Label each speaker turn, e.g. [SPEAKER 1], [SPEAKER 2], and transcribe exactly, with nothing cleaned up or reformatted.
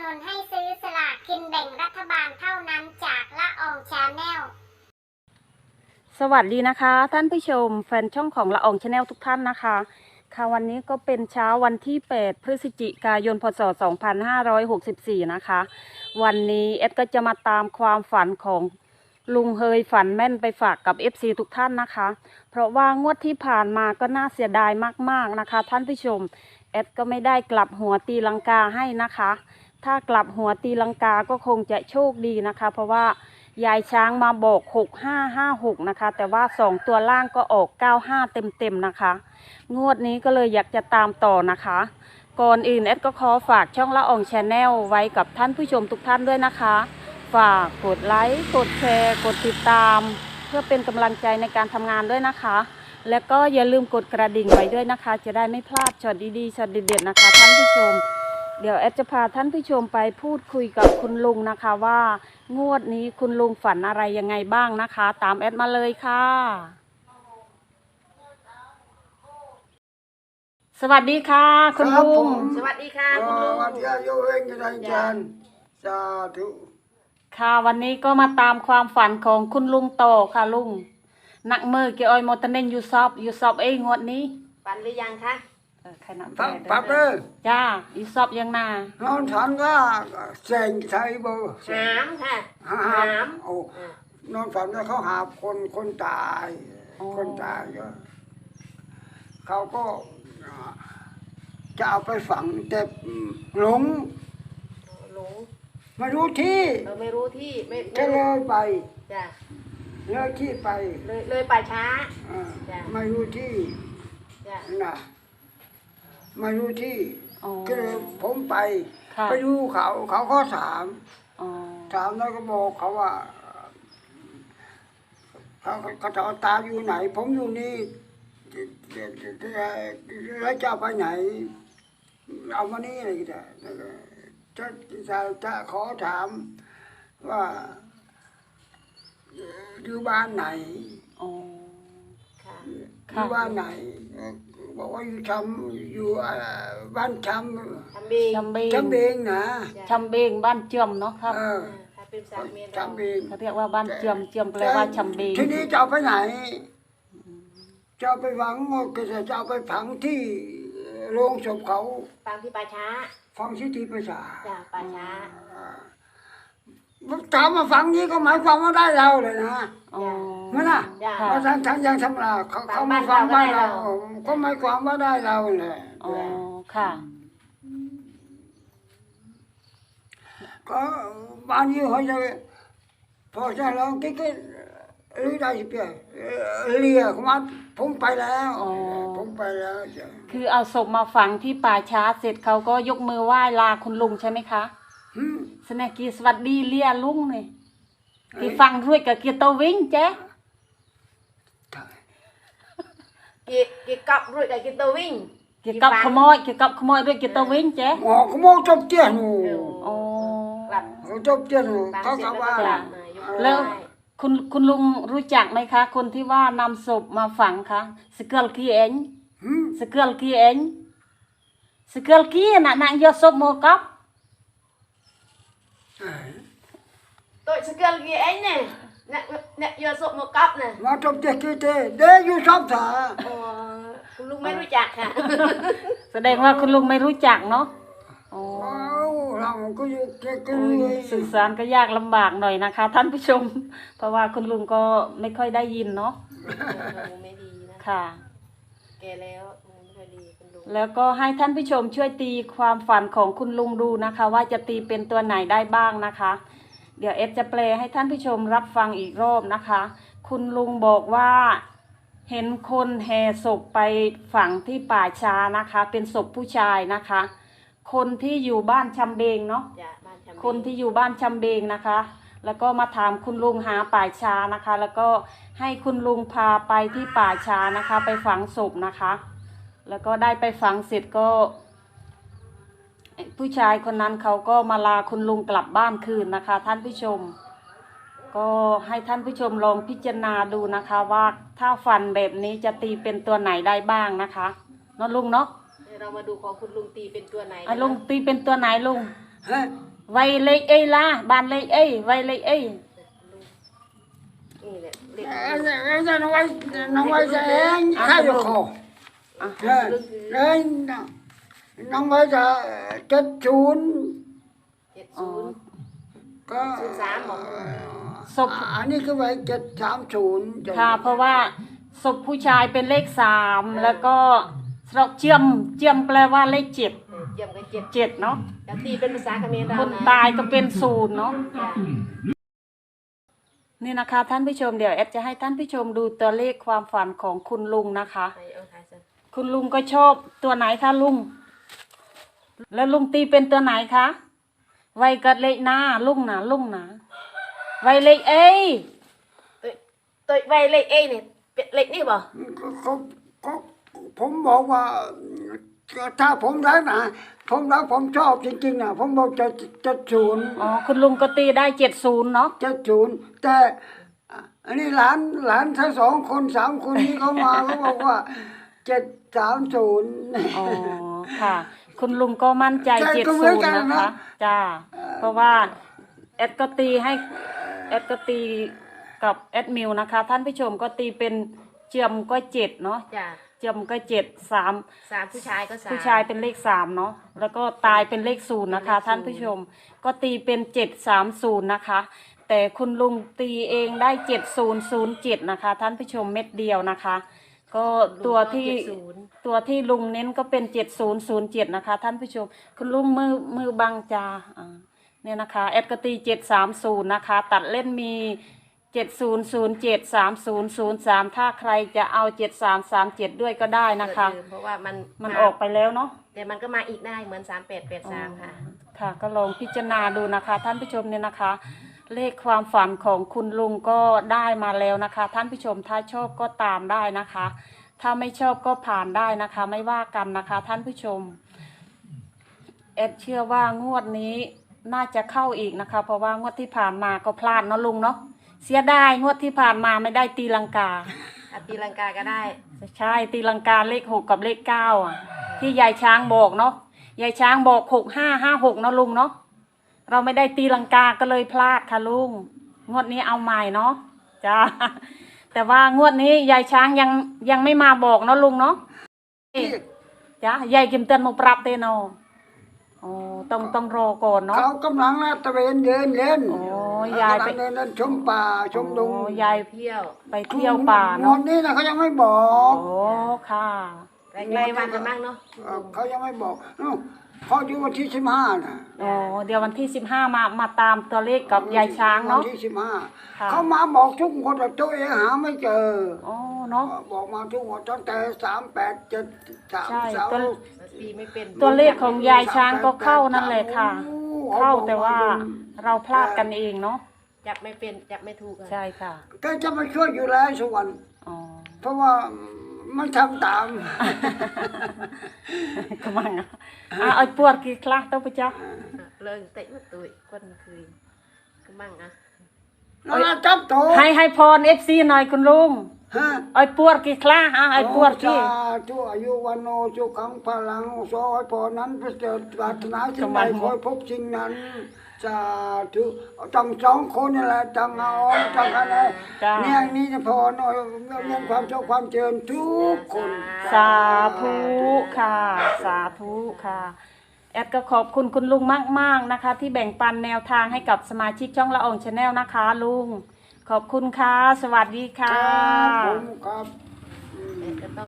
[SPEAKER 1] นุนให้ซื้อสลากกินแบ่งรัฐบาลเท่านั้นจากละอองชาแนล
[SPEAKER 2] สวัสดีนะคะท่านผู้ชมแฟนช่องของละอองชาแนลทุกท่านนะคะค่ะวันนี้ก็เป็นเช้าวันที่แปดพฤศจิกายนพศสองพันห้าร้อยหกสิบสี่นะคะวันนี้เอ็ดก็จะมาตามความฝันของลุงเฮยฝันแม่นไปฝากกับ เอฟ ซี ทุกท่านนะคะเพราะว่างวดที่ผ่านมาก็น่าเสียดายมากๆนะคะท่านผู้ชมเอ็ดก็ไม่ได้กลับหัวตีลังกาให้นะคะถ้ากลับหัวตีลังกาก็คงจะโชคดีนะคะเพราะว่ายายช้างมาบอกหกห้าห้าหกนะคะแต่ว่าสองตัวล่างก็ออกเก้าห้าเต็มๆนะคะงวดนี้ก็เลยอยากจะตามต่อนะคะก่อนอื่นเอ็ดก็ขอฝากช่องละอองชาแนลไว้กับท่านผู้ชมทุกท่านด้วยนะคะฝากกดไลค์กดแชร์กดติดตามเพื่อเป็นกำลังใจในการทำงานด้วยนะคะแล้วก็อย่าลืมกดกระดิ่งไว้ด้วยนะคะจะได้ไม่พลาดช็อตดีๆช็อตเด็ดๆนะคะท่านผู้ชมเดี๋ยวแอดจะพาท่านผู้ชมไปพูดคุยกับคุณลุงนะคะว่างวดนี้คุณลุงฝันอะไรยังไงบ้างนะคะตามแอดมาเลยค่ะสวัสดีค่ะคุณลุง
[SPEAKER 3] สวัสดีค่ะคุณลุง
[SPEAKER 4] วันที่โยเองจะได้จันสาธุ
[SPEAKER 2] ค่ะวันนี้ก็มาตามความฝันของคุณลุงโตค่ะลุงนักมือเกี่ยวออยมอตเนนยูซอบยูซอบเองงวดนี้
[SPEAKER 3] ฝันหรือยังคะ
[SPEAKER 2] ใครนับ
[SPEAKER 4] ปั๊บปั๊บเลย
[SPEAKER 2] จ้ายูซอบยังนาน
[SPEAKER 4] อนฉันก็เซ็งใช้เบอร์
[SPEAKER 3] หามค่ะ
[SPEAKER 4] หาโอ้นอนฝันว่าเขาหาคนคนตายคนตายก็เขาก็จะเอาไปฝังแต่หลง
[SPEAKER 3] หลง
[SPEAKER 4] ไม่รู้ที่
[SPEAKER 3] เราไม่รู้ที่ไม่
[SPEAKER 4] จะเลยไป
[SPEAKER 3] จ้ะ
[SPEAKER 4] เลยที่ไป
[SPEAKER 3] เลยเลยป่าช้า
[SPEAKER 4] ไม่รู้ที่
[SPEAKER 3] จ้ะ
[SPEAKER 4] นะไม่รู้ที่
[SPEAKER 2] อ๋อ
[SPEAKER 4] ก็เลยผมไป
[SPEAKER 2] ค่ะ
[SPEAKER 4] ไปดูเขาเขาก็ถาม
[SPEAKER 2] อ๋อ
[SPEAKER 4] ถามแล้วก็บอกเขาว่าเขาเขาถามตาอยู่ไหน ผมอยู่นี่แล้วจะไปไหน เอามานี่อะไรกันจะจะจะขอถามว่าอยู่บ้านไหน
[SPEAKER 2] อ๋อ
[SPEAKER 3] ค่ะ
[SPEAKER 4] อยู่บ้านไหนบอกว่าอยู่ชำอยู่บ้านชำ
[SPEAKER 3] ทำบี
[SPEAKER 2] ชำเบง
[SPEAKER 4] ชำเบงนะ
[SPEAKER 2] ชำเบงบ้านเจือมเนาะครับ
[SPEAKER 4] เออ
[SPEAKER 3] ถ้าเป็นสามเมียน
[SPEAKER 4] ชำเบง
[SPEAKER 2] เขาเรียกว่าบ้านเจือมเจือมแปลว่าชำเบง
[SPEAKER 4] ทีนี้จะเอาไปไหนจะเอาไปฝังก็จะเอาไปฝังที่โรงศพเขา
[SPEAKER 3] ฟังที่ป่าช้า
[SPEAKER 4] ฝังที่ที่ประชา
[SPEAKER 3] จ้ะป่าช้า
[SPEAKER 4] ถามมาฝังนี้ก็หมายความว่าได้เราเลยนะ
[SPEAKER 2] อ๋อ
[SPEAKER 4] ไม่ล่ะ
[SPEAKER 3] จ้ะ
[SPEAKER 2] ค่ะ
[SPEAKER 4] เพราะทางทางยังทำลาเขาเขามาฟังบ้านเราก็หมายความว่าได้เราเลย
[SPEAKER 2] อ๋อค่ะ
[SPEAKER 4] ก็บ้านนี้เขาจะพอจะลองกิ๊กหรือได้เปล่าเรียกมาผมไปแล้ว
[SPEAKER 2] อ๋อ
[SPEAKER 4] ผมไปแล้วจ้ะ
[SPEAKER 2] คือเอาศพมาฝังที่ป่าช้าเสร็จเขาก็ยกมือไหว้ลาคุณลุงใช่ไหมคะ
[SPEAKER 4] หืม
[SPEAKER 2] สนกีสวัสดีเลียลุงเนี่ยกีฟังด้วยกับกีโตวิ่งเจ๊
[SPEAKER 3] กีกีกับรุ่ยกับกีตัววิ่ง
[SPEAKER 2] กีกับขโมยกีกับขโมยด้วยกีโตวิ่งเจ๊
[SPEAKER 4] หมอเขามองจบเตี้ยนหนู
[SPEAKER 2] อ๋อ
[SPEAKER 3] กลับ
[SPEAKER 4] เขาจบเตี้ยนหนู
[SPEAKER 3] ฟัง
[SPEAKER 4] เขา
[SPEAKER 3] เสร็จ
[SPEAKER 4] ก็
[SPEAKER 3] แล้ว
[SPEAKER 4] ว่า
[SPEAKER 3] ก็กลับมายกมือ
[SPEAKER 2] แล้ว
[SPEAKER 3] ไหว้
[SPEAKER 2] คุณคุณลุงรู้จักไหมคะ คนที่ว่านำศพมาฝังคะสเกลกีเอง
[SPEAKER 4] หืม
[SPEAKER 2] สเกลกีเองสเกลกีน่ะนางยอศพโมกับ
[SPEAKER 3] ตัวสเกลกีเองเนี่ยเนี่ยเนี่ยยาสบหมวกกับเนี่ย
[SPEAKER 4] มาจบเตี้ยกี่เต้เด้อยู่ชอบถา
[SPEAKER 3] โอ้คุณลุงไม่รู้จักค่ะ
[SPEAKER 2] แสดงว่าคุณลุงไม่รู้จักเนาะอ๋อ
[SPEAKER 4] เอาเราก็อยู่แค่ก็
[SPEAKER 2] โอ้
[SPEAKER 4] เลย ย
[SPEAKER 2] สื่อสารก็ยากลำบากหน่อยนะคะ ท่านผู้ชม เพราะว่าคุณลุงก็ไม่ค่อยได้ยินเนาะ
[SPEAKER 3] หูไม่ดีนะ
[SPEAKER 2] ค่ะ
[SPEAKER 3] แกแล้วหูไม่ค่อยดีคุณลุง
[SPEAKER 2] แล้วก็ให้ท่านผู้ชมช่วยตีความฝันของคุณลุงดูนะคะ ว่าจะตีเป็นตัวไหนได้บ้างนะคะ เดี๋ยวเอฟจะแปลให้ท่านผู้ชมรับฟังอีกรอบนะคะ คุณลุงบอกว่าเห็นคนแห่ศพไปฝังที่ป่าช้านะคะ เป็นศพผู้ชายนะคะ คนที่อยู่บ้านชำเบงเนาะ
[SPEAKER 3] จ้ะบ้านชำ
[SPEAKER 2] คนที่อยู่บ้านชำเบงนะคะ แล้วก็มาถามคุณลุงหาป่าช้านะคะ แล้วก็ให้คุณลุงพาไปที่ป่าช้านะคะ ไปฝังศพนะคะ แล้วก็ได้ไปฝังเสร็จก็ ผู้ชายคนนั้นเขาก็มาลาคุณลุงกลับบ้านคืนนะคะ ท่านผู้ชม ก็ให้ท่านผู้ชมลองพิจารณาดูนะคะ ว่าถ้าฝันแบบนี้จะตีเป็นตัวไหนได้บ้างนะคะเนาะลุงเนาะ
[SPEAKER 3] เรามาดูของคุณลุงตีเป็นตัวไหน
[SPEAKER 2] ไอ้ลุงตีเป็นตัวไหนลุง
[SPEAKER 4] ฮะ
[SPEAKER 2] ไวเลขเอ้ยล่ะบ้านเลขเอ้ยไวเลขเอ้ย
[SPEAKER 3] นี่แหละเรียก
[SPEAKER 4] เอ้ยเอ้ยน้องไว้น้องไว้จะเองใครอยู่คอเอ้ยเอ้ยน้องไว้จะเจ็ดศูนย์
[SPEAKER 3] เจ็ดศูนย์
[SPEAKER 4] ก็
[SPEAKER 3] ศูนย์สามบอก
[SPEAKER 2] ศพ
[SPEAKER 4] อันนี้คือไว้เจ็ดสามศูนย์
[SPEAKER 2] ค่ะเพราะว่าศพผู้ชายเป็นเลขสามแล้วก็เราเจียมเจียมแปลว่าเลขเจ็ด
[SPEAKER 3] เออเยี่ยมกันเจ็ด
[SPEAKER 2] เจ็ดเนาะ
[SPEAKER 3] แล้วตีเป็นภาษาเขมรเรา
[SPEAKER 2] คน
[SPEAKER 3] นะ
[SPEAKER 2] ตายก็เป็นศูนย์เนาะ
[SPEAKER 3] จ้ะ
[SPEAKER 2] นี่นะคะท่านผู้ชมเดี๋ยวแอดจะให้ท่านผู้ชมดูตัวเลขความฝันของคุณลุงนะคะ
[SPEAKER 3] ไปเอาถ่ายซะ
[SPEAKER 2] คุณลุงก็ชอบตัวไหนคะลุง แล้วลุงตีเป็นตัวไหนคะไวกัดเลขหน้าลุงนะลุงนะไวเลขเอ้ย
[SPEAKER 3] ตัวตัวใบเลขเอเนี่ยเป็นเลขนี่บ่
[SPEAKER 4] ก็ก็ก็ผมบอกว่าถ้าผมรักนะผมรักผมชอบจริงๆนะผมบอกจะจะศูนย์
[SPEAKER 2] อ๋อคุณลุงก็ตีได้เจ็ดศูนย์เนาะ
[SPEAKER 4] จะศูนย์แต่อันนี้หลานหลานทั้งสองคนสามคนนี้เขามาเขาบอกว่าเจ็ดสามศูนย์
[SPEAKER 2] อ๋อค่ะ คุณลุงก็มั่นใจ
[SPEAKER 4] ใช่
[SPEAKER 2] เจ็ด
[SPEAKER 4] ก็เหมื
[SPEAKER 2] ศู
[SPEAKER 4] อน
[SPEAKER 2] น
[SPEAKER 4] กั
[SPEAKER 2] ย์
[SPEAKER 4] น
[SPEAKER 2] นะ
[SPEAKER 4] นะคะ
[SPEAKER 2] จ้าเพราะว่าแอดก็ตีให้แอดก็ตีกับแอดมิวนะคะ ท่านผู้ชมก็ตีเป็นเจียมก็เจ็ดเนาะ
[SPEAKER 3] จ้ะ
[SPEAKER 2] เจียมก็เจ็ดสาม
[SPEAKER 3] สามผู้ชายก็สาม
[SPEAKER 2] ผู้ชายเป็นเลขสามเนาะแล้วก็ตายเป็นเลขศูนย์นะคะ ท่านผู้ชมก็ตีเป็นเจ็ดสามศูนย์นะคะ แต่คุณลุงตีเองได้เจ็ดศูนย์ศูนย์เจ็ดนะคะ ท่านผู้ชมเม็ดเดียวนะคะ ก็ตัวที่
[SPEAKER 3] เจ็ดศูนย์
[SPEAKER 2] ตัวที่ลุงเน้นก็เป็นเจ็ดศูนย์ศูนย์เจ็ดนะคะ ท่านผู้ชมคุณลุงมือมือบังจาอ่าเนี่ยนะคะแอดกตีเจ็ดสามศูนย์นะคะ ตัดเล่นมีเจ็ดศูนย์ศูนย์เจ็ดสามศูนย์ศูนย์สามถ้าใครจะเอาเจ็ดสามสามเจ็ดด้วยก็ได้นะคะ
[SPEAKER 3] เออเพราะว่ามัน
[SPEAKER 2] มันออกไปแล้วเนาะ
[SPEAKER 3] แต่มันก็มาอีกได้เหมือนสามแปดแปดสามค่ะ
[SPEAKER 2] ค่ะก็ลองพิจารณาดูนะคะ ท่านผู้ชมเนี่ยนะคะ เลขความฝันของคุณลุงก็ได้มาแล้วนะคะ ท่านผู้ชมถ้าชอบก็ตามได้นะคะ ถ้าไม่ชอบก็ผ่านได้นะคะ ไม่ว่ากันนะคะ ท่านผู้ชมแอดเชื่อว่างวดนี้น่าจะเข้าอีกนะคะ เพราะว่างวดที่ผ่านมาก็พลาดเนาะลุงเนาะเสียดายงวดที่ผ่านมาไม่ได้ตีลังกา
[SPEAKER 3] อาตีลังกาก็ได้
[SPEAKER 2] ใช่ตีลังกาเลขหกกับเลขเก้าอ่ะ ที่ยายช้างบอกเนาะยายช้างบอกหกห้าห้าหกเนาะลุงเนาะเราไม่ได้ตีลังกาก็เลยพลาดค่ะลุงงวดนี้เอาใหม่เนาะจ้าแต่ว่างวดนี้ยายช้างยังยังไม่มาบอกเนาะลุงเนาะจ้ายายกิมเตือนมาปรับเตโนโอ้ต้องต้องรอก่อนเนาะ
[SPEAKER 4] เขากำลังลาดตระเวนเดินเล่น
[SPEAKER 2] โอ้ยายไป
[SPEAKER 4] กำลังเดินเล่นชมป่าชมดง
[SPEAKER 2] โอ้ยาย
[SPEAKER 3] เที่ยว
[SPEAKER 2] ไปเที่ยวป่า
[SPEAKER 4] วั
[SPEAKER 2] เนาะ
[SPEAKER 4] นนี้นะเขายังไม่บอก
[SPEAKER 2] โอ้ค่ะ
[SPEAKER 3] ใกล้ๆวันกันบ้างเนาะ
[SPEAKER 4] เอ่อเขายังไม่บอกนู่นเขาอยู่วันที่สิบห้าน่ะ
[SPEAKER 2] โอ้เดี๋ยววันที่สิบห้ามามาตามตัวเลขกับยายช้างเนาะ
[SPEAKER 4] วันที่สิบห้า
[SPEAKER 2] ค่ะ
[SPEAKER 4] เขามาบอกทุกคนแต่ตัวเองหาไม่เจอ
[SPEAKER 2] อ๋อเนาะ
[SPEAKER 4] บอกมาทุกคนตั้งแต่สามแปดเจ็ดสาม
[SPEAKER 2] ใช่
[SPEAKER 4] สาม
[SPEAKER 2] ตัว
[SPEAKER 3] ตีไม่เป็น
[SPEAKER 2] ตัวเลขของยายช้างก็เข้านั่นแหละค่ะ
[SPEAKER 4] โอ้
[SPEAKER 2] เข้าแต่ว่าเราพลาดกันเองเนาะ
[SPEAKER 3] จับไม่เป็นจับไม่ถูกอะ
[SPEAKER 2] ใช่ค่ะ
[SPEAKER 4] แกจะมาช่วยอยู่แล้วสวรรค์
[SPEAKER 2] อ๋อ
[SPEAKER 4] เพราะว่ามันทำตาม
[SPEAKER 2] ก็มังอ่ะอ่ะเอาปวดกี่คลาตัวปะจ๊ะ
[SPEAKER 3] อ่ะเลยเตะมาตุยคนคืนก็มั่งอ่ะ
[SPEAKER 4] แล้วเราจับโต
[SPEAKER 2] ให้ให้พรเอฟซีหน่อยคุณลุง
[SPEAKER 4] ฮะ
[SPEAKER 2] เอาปวดกี่คลาอ่ะเอาปวดกี่
[SPEAKER 4] สาธุอายุวันโนสุขังพลังสอให้พอนั้นประเสริฐปรารถนาสิ่งใดขอให้พบสิ่งนั้นสาธุจังสองคนนี่แหละจังเอาจังอะไร
[SPEAKER 2] จ้า
[SPEAKER 4] เนี่ยนี่จะพอหน่อยเรื่องความโชคความเจริญทุกคน
[SPEAKER 2] สาธุค่ะ สาธุค่ะแอดก็ขอบคุณคุณลุงมากๆนะคะ ที่แบ่งปันแนวทางให้กับสมาชิกช่องละอองชาแนลนะคะ ลุงขอบคุณค่ะ สวัสดีค่ะ
[SPEAKER 4] ครับผมครับ
[SPEAKER 3] เอ๊ะก็ต้อง